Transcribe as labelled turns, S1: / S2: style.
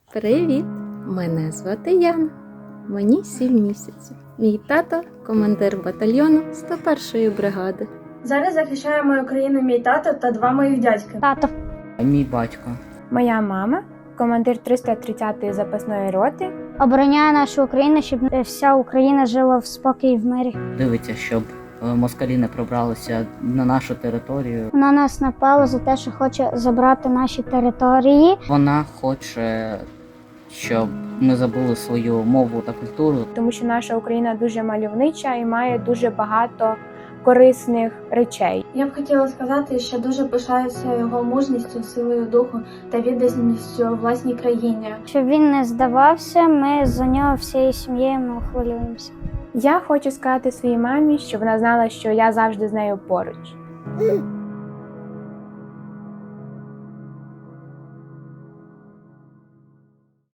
S1: Привіт! Мене звати Яна. Мені 7 місяців. Мій тато – командир батальйону 101-ї бригади.
S2: Зараз захищає мою країну мій тато та два моїх дядьки.
S3: Тато.
S4: Мій батько.
S5: Моя мама, командир 330-ї запасної роти.
S3: Обороняє нашу Україну, щоб вся Україна жила в спокій і в мирі.
S4: Дивиться, щоб москалі не пробралися на нашу територію.
S3: Вона нас напала за те, що хоче забрати наші території.
S4: Вона хоче, щоб ми забули свою мову та культуру.
S5: Тому що наша Україна дуже мальовнича і має дуже багато корисних речей.
S2: Я б хотіла сказати, що дуже пишаюся його мужністю, силою духу та відданістю власній країні.
S3: Щоб він не здавався, ми за нього всією сім'єю хвилюємося.
S5: Я хочу сказати своїй мамі, щоб вона знала, що я завжди з нею поруч.